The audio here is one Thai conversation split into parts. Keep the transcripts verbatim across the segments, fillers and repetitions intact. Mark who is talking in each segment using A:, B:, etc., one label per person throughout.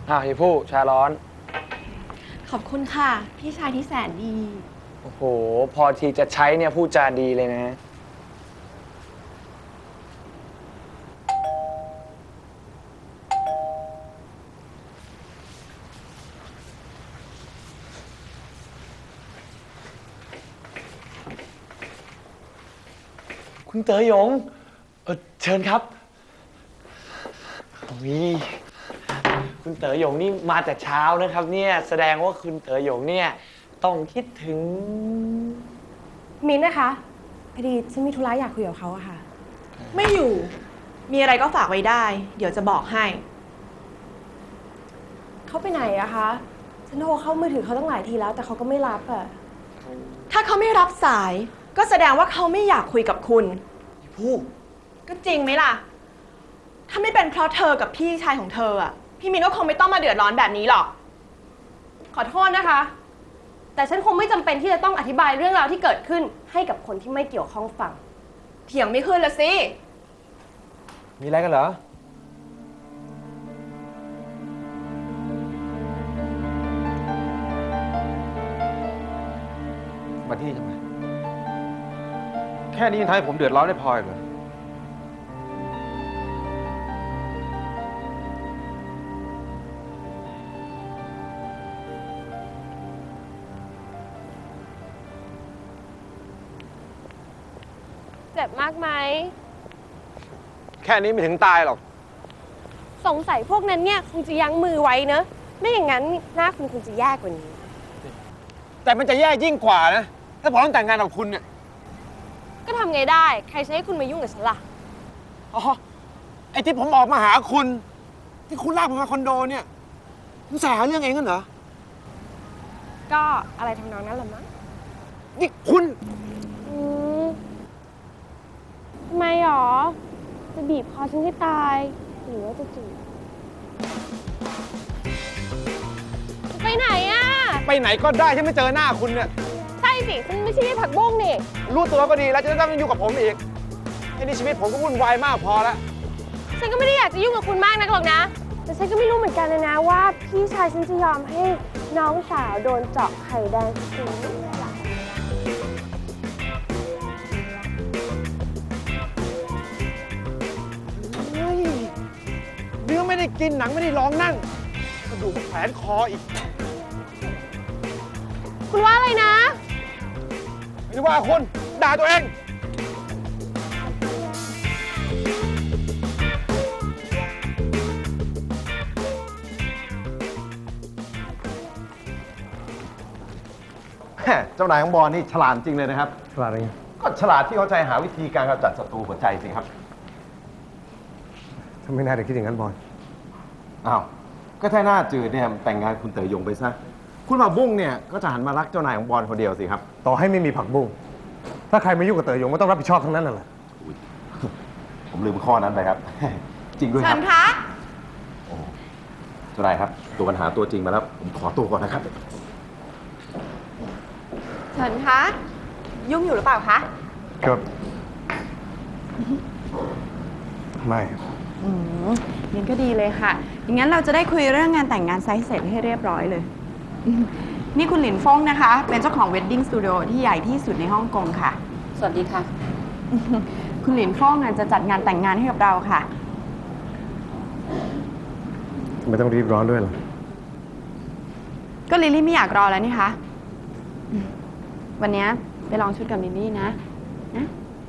A: อ้าวเฮียผู้ชาร้อน
B: ขอบคุณค่ะพี่ชายที่แสนดี
A: โอ้โหพอทีจะใช้เนี่ยพูดจาดีเลยนะคุณเต๋อหยงเออเชิญครับวิคุณเต๋อหยงนี่มาแต่เช้านะครับเนี่ยแสดงว่าคุณเต๋อหยงเนี่ยต้องคิดถึง
B: มิ้นนะคะพอดีฉันมีธุระอยากคุยกับเขาอะค่ะ
C: ไม่อยู่ มีอะไรก็ฝากไว้ได้ เดี๋ยวจะบอกให้
B: เขาไปไหนอะคะฉันโทรเข้ามือถือเขาตั้งหลายทีแล้วแต่เขาก็ไม่รับอะ
C: ถ้าเขาไม่รับสาย ก็แสดงว่าเขาไม่อยากคุยกับคุณ
A: ผู้
C: ก็จริงไหมล่ะ ถ้าไม่เป็นเพราะเธอกับพี่ชายของเธออะพี่มินก็คงไม่ต้องมาเดือดร้อนแบบนี้หรอก
B: ขอโทษนะคะ แต่ฉันคงไม่จำเป็นที่จะต้องอธิบายเรื่องราวที่เกิดขึ้นให้กับคนที่ไม่เกี่ยวข้องฟัง
C: เถียงไม่ขึ้นละสิ
A: มีอะไรกันเหรอ
D: มาที่ทำไม แค่นี้ยังทำให้ผมเดือดร้อนได้พออีกเหรอ
B: เจ็บมากไหม
D: แค่นี้ไม่ถึงตายหรอก
B: สงสัยพวกนั้นเนี่ยคงจะยั้งมือไว้เนอะไม่อย่างนั้นหน้าคุณคงจะแย่กว่านี้
D: แต่มันจะแย่ยิ่งกว่านะ ถ้าผมต้องแต่งงานกับคุณเนี่ย
B: ก็ทำไงได้ ใครจะให้คุณมายุ่งกับฉันล่ะ
D: อ๋อ ไอ้ที่ผมออกมาหาคุณ ที่คุณลากผมมาคอนโดเนี่ยคุณใส่หาเรื่องเองกันเหรอ
B: ก็อะไรทำนองนั้นแหละมั้ง
D: นี่คุณ
B: อืมทำไมหรอ จะบีบคอฉันให้ตาย หรือว่าจะจีบจะไปไหนอะ
D: ไปไหนก็ได้ที่ไม่เจอหน้าคุณเนี่ย
B: ใช่สิ ฉันไม่ใช่ผักบุ้งนี่
D: รู้ตัวก็ดีแล้วจะได้ไม่ยุ่งกับผมอีกไอ้นี่ชีวิตผมก็วุ่นวายมากพอแล้ว
B: ฉันก็ไม่ได้อยากจะยุ่งกับคุณมากนักหรอกนะ แต่ฉันก็ไม่รู้เหมือนกันนะนะว่าพี่ชายฉันจะยอมให้น้องสาวโดนเจาะไข่แดงฟรีหรือเปล่า
D: เฮ้ยเนื้อไม่ได้กินหนังไม่ได้ลองนั่งกระดูกแขวนคออีก
B: คุณว่าอะไรนะ
D: ไม่ได้ว่าคนด่าตัวเอง
E: เจ้านายของบอลนี่ฉลาดจริงเลยนะครับ
A: ฉลาดอะไร
E: ก็ฉลาดที่เข้าใจหาวิธีการกำจัดศัตรูหัวใจสิครับ
D: ทำไมนายถึงคิดอย่างนั้นบอล
E: อ้าว ก็ถ้าหน้าจืดเนี่ยแต่งงานคุณเต๋อหยงไปซะ คุณผักบุ้งเนี่ยก็จะหันมารักเจ้านายของบอลคนเดียวสิครับ
D: ต่อให้ไม่มีผักบุ้ง ถ้าใครมายุ่งกับเต๋อหยงก็ต้องรับผิดชอบทั้งนั้นน่ะแหละ
E: อุ๊ย ผมลืมข้อนั้นไปครับ จริงด้วยค
C: เชิ
E: รับ
C: ญคะ
E: เจ้านายครับ ตัวปัญหาตัวจริงมาแล้ว ผมขอตัวก่อนนะครับ
C: เชิญคะ ยุ่งอยู่หรือเปล่าคะ
D: ครับ ไม่
F: อืมงั้นก็ดีเลยค่ะ อย่างนั้นเราจะได้คุยเรื่องงานแต่งงานไซส์เสร็จให้เรียบร้อยเลยอืมนี่คุณหลินฟงนะคะ เป็นเจ้าของ Wedding Studio ที่ใหญ่ที่สุดในฮ่องกงค่ะ
G: สวัสดีค่ะ
F: คุณหลินฟงอ่ะจะจัดงานแต่งงานให้กับเราค่ะ
D: ไม่ต้องรีบร้อนด้วยหรอ
F: ก็ลิลลี่ไม่อยากรอแล้วนี่คะอืมวันนี้ไปลองชุดกับลิลลี่นะ นะ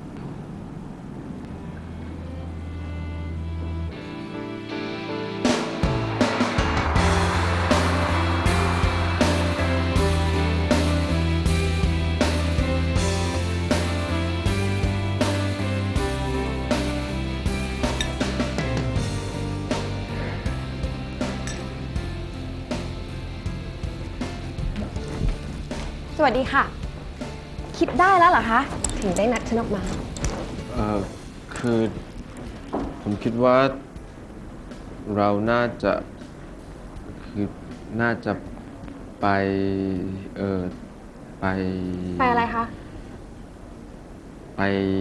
B: สวัสดีค่ะ คิดได้แล้วเหรอคะ ถึงได้นัดฉันออกมา
H: เอ่อคือผมคิดว่าเราน่าจะคือน่าจะไปเออไป
B: ไปอะไรคะ
H: ไป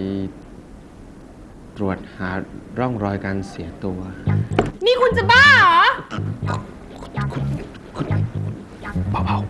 H: ตรวจหาร่องรอยการเสียตัว
B: นี่คุณจะบ้าเหรอ
H: ตคุณคุณเบา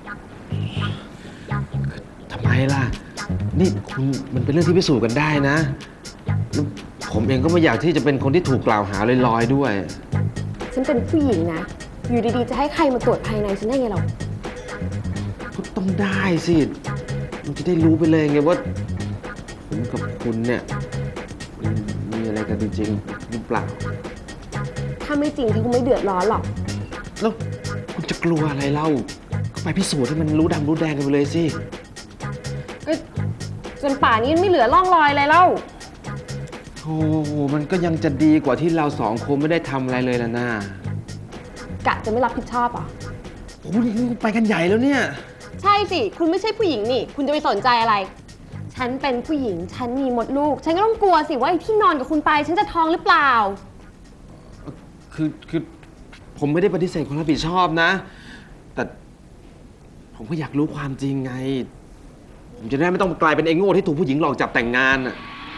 H: ๆทำไมล่ะ นี่คุณมันเป็นเรื่องที่พิสูจน์กันได้นะแล้วผมเองก็ไม่อยากที่จะเป็นคนที่ถูกกล่าวหาลอยๆด้วย
B: ฉันเป็นผู้หญิงนะ อยู่ดีๆ จะให้ใครมาตรวจภายในฉันได้ไงเรา
H: ก็ต้องได้สิ มันจะได้รู้ไปเลยไงว่า ผมกับคุณเนี่ยมันมีอะไรกันจริงๆหรือเปล่า
B: ถ้าไม่จริงฉันคงไม่เดือดร้อนหรอก
H: แล้วคุณจะกลัวอะไรเล่า ก็ไปพิสูจน์ให้มันรู้ดำรู้แดงกันไปเลยสิ
B: ก็จนป่านนี้ไม่เหลือร่องรอยอะไรแล้ว
H: โอ้โหมันก็ยังจะดีกว่าที่เราสองคนไม่ได้ทำอะไรเลยล่ะนะ
B: กะจะไม่รับผิดชอบเหรอ
H: โอ้โหนี่ไปกันใหญ่แล้วเนี่ย
B: ใช่สิ คุณไม่ใช่ผู้หญิงนี่ คุณจะไปสนใจอะไร ฉันเป็นผู้หญิง ฉันมีมดลูก ฉันก็ต้องกลัวสิว่าไอ้ที่นอนกับคุณไป ฉันจะท้องหรือเปล่า
H: คือคือผมไม่ได้ปฏิเสธความรับผิดชอบนะ แต่ผมก็อยากรู้ความจริงไง ผมจะได้ไม่ต้องกลายเป็นไอ้โง่ที่ถูกผู้หญิงหลอกจับแต่งงานอ่ะ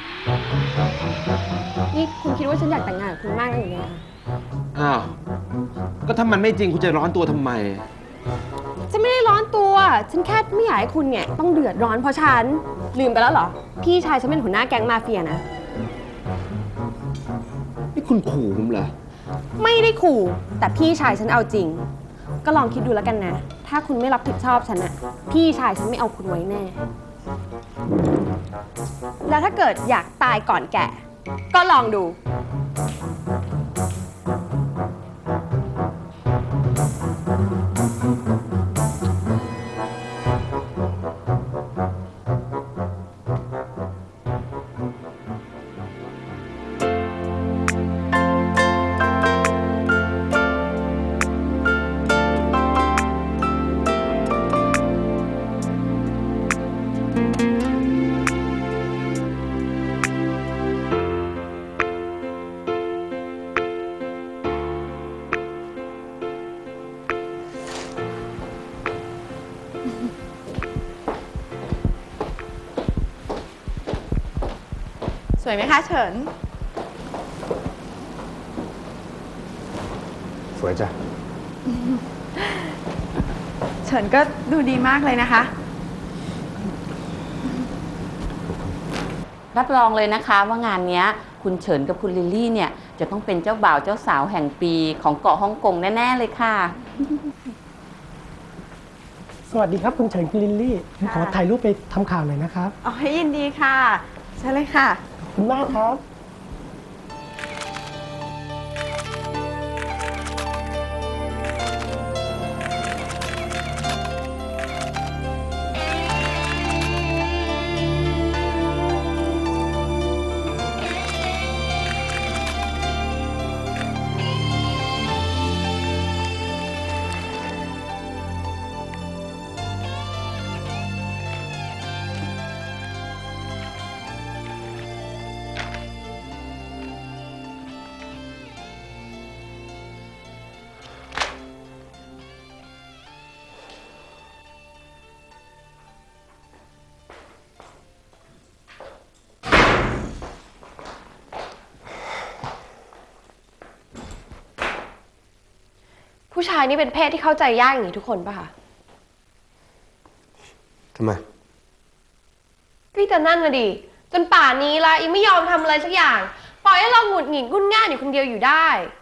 B: นี่คุณคิดว่าฉันอยากแต่งงานกับคุณมากอย่างเงี้ย
H: อ้าว ก็ถ้ามันไม่จริงคุณจะร้อนตัวทำไม
B: ฉันไม่ได้ร้อนตัว ฉันแค่ไม่อยากให้คุณเนี่ยต้องเดือดร้อนเพราะฉัน ลืมไปแล้วเหรอ พี่ชายฉันเป็นหัวหน้าแก๊งมาเฟียนะ
H: นี่คุณขู่ผมเหรอ
B: ไม่ได้ขู่ แต่พี่ชายฉันเอาจริง ก็ลองคิดดูแล้วกันนะ ถ้าคุณไม่รับผิดชอบฉันอะพี่ชายฉันไม่เอาคุณไว้แน่ แล้วถ้าเกิดอยากตายก่อนแก่ ก็ลองดู
F: สวยไหมคะเฉิน
D: สวยจ้ะ
F: เฉินก็ดูดีมากเลยนะคะ
G: รับรองเลยนะคะว่างานเนี้ยคุณเฉินกับคุณลิลลี่เนี่ยจะต้องเป็นเจ้าบ่าวเจ้าสาวแห่งปีของเกาะฮ่องกงแน่ๆเลยค่ะ
I: สวัสดีครับคุณเฉินคุณลิลลี่ผมขอถ่ายรูปไปทำข่าวหน่อยนะครับ
F: อ๋อยินดีค่ะ ใช่เลยค่ะ
I: ขอบคุณมากครับ
B: ผู้ชายนี่เป็นเพศที่เข้าใจยากอย่างนี้ทุกคนป่ะคะ
D: ทำไม
B: ก็แต่นั่นน่ะดิ จนป่านนี้ละยังไม่ยอมทำอะไรสักอย่าง ปล่อยให้เราหงุดหงิดงุ่นง่านอยู่คนเดียวอยู่ได้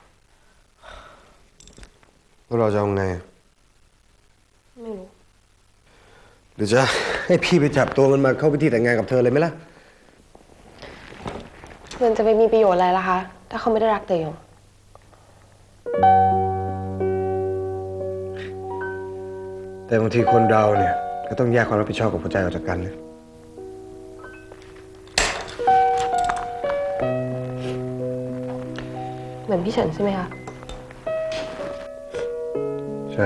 D: แล้วเราจะเอาไง
B: ไม่รู้
D: หรือจะให้พี่ไปจับตัวมันมาเข้าพิธีแต่งงานกับเธอเลยไหมล่ะ
B: มันจะไปมีประโยชน์อะไรล่ะคะ ถ้าเขาไม่ได้รักเตยง
D: แต่บางทีคนเราเนี่ยก็ต้องแยกความรับผิดชอบกับหัวใจออกจากกันนะ
B: เหมือนพี่เฉินใช่ไหมคะ
D: ใช่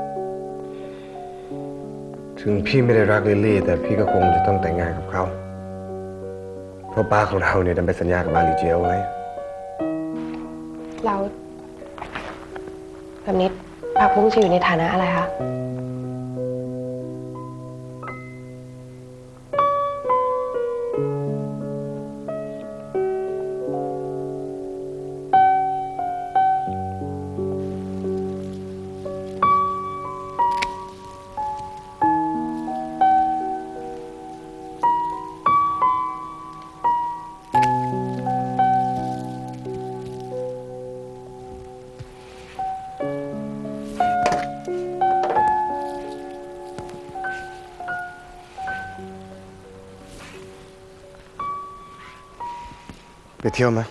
D: ถึงพี่ไม่ได้รักลิลลี่ แต่พี่ก็คงจะต้องแต่งงานกับเขา เพราะป้าของเราเนี่ยดันไปสัญญากับอาลีเจียวไว้
B: เราแบบนี้ผักบุ้งจะอยู่ในฐานะอะไรคะ
D: ไปเที่ยวไหม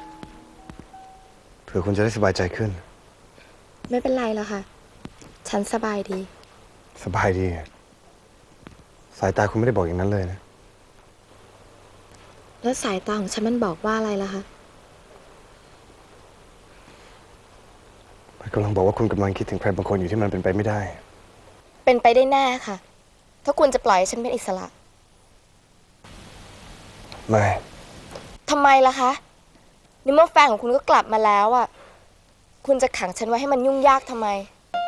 D: เผื่อคุณจะได้สบายใจขึ้น
B: ไม่เป็นไรแล้วค่ะ ฉันสบายดี
D: สบายดี สายตาคุณไม่ได้บอกอย่างนั้นเลยนะ
B: แล้วสายตาของฉันมันบอกว่าอะไรล่ะคะ
D: มันกำลังบอกว่าคุณกำลังคิดถึงใครบางคนอยู่ที่มันเป็นไปไม่ได้
B: เป็นไปได้แน่ค่ะ ถ้าคุณจะปล่อยให้ฉันเป็นอิสระ
D: ไม่
B: ทำไมล่ะคะในเมื่อแฟนของคุณก็กลับมาแล้วอ่ะ คุณจะขังฉันไว้ให้มันยุ่งยากทำไม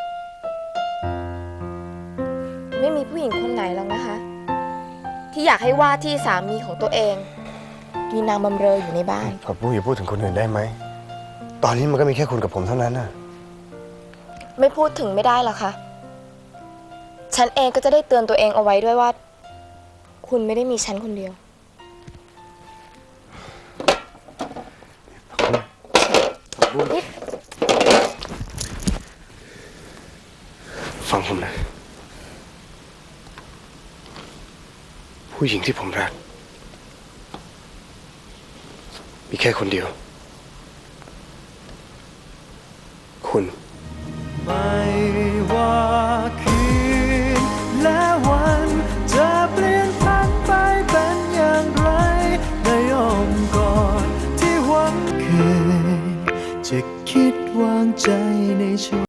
B: ไม่มีผู้หญิงคนไหนหรอกนะคะ ที่อยากให้ว่าที่สามีของตัวเอง มีนางบำเรออยู่ในบ้าน
D: ผักบุ้งอย่าพูดถึงคนอื่นได้ไหม ตอนนี้มันก็มีแค่คุณกับผมเท่านั้นน่ะ
B: ไม่พูดถึงไม่ได้หรอคะ ฉันเองก็จะได้เตือนตัวเองเอาไว้ด้วยว่า คุณไม่ได้มีฉันคนเดียว
D: ฟังผมนะ ผู้หญิงที่ผมรัก มีแค่คนเดียว คุณ
J: ไม่ว่าคืนและวันจะเปลี่ยนพันไปเป็นอย่างไรในอ้อมกอดที่หวังเคยจะคิดวางใจในช่วง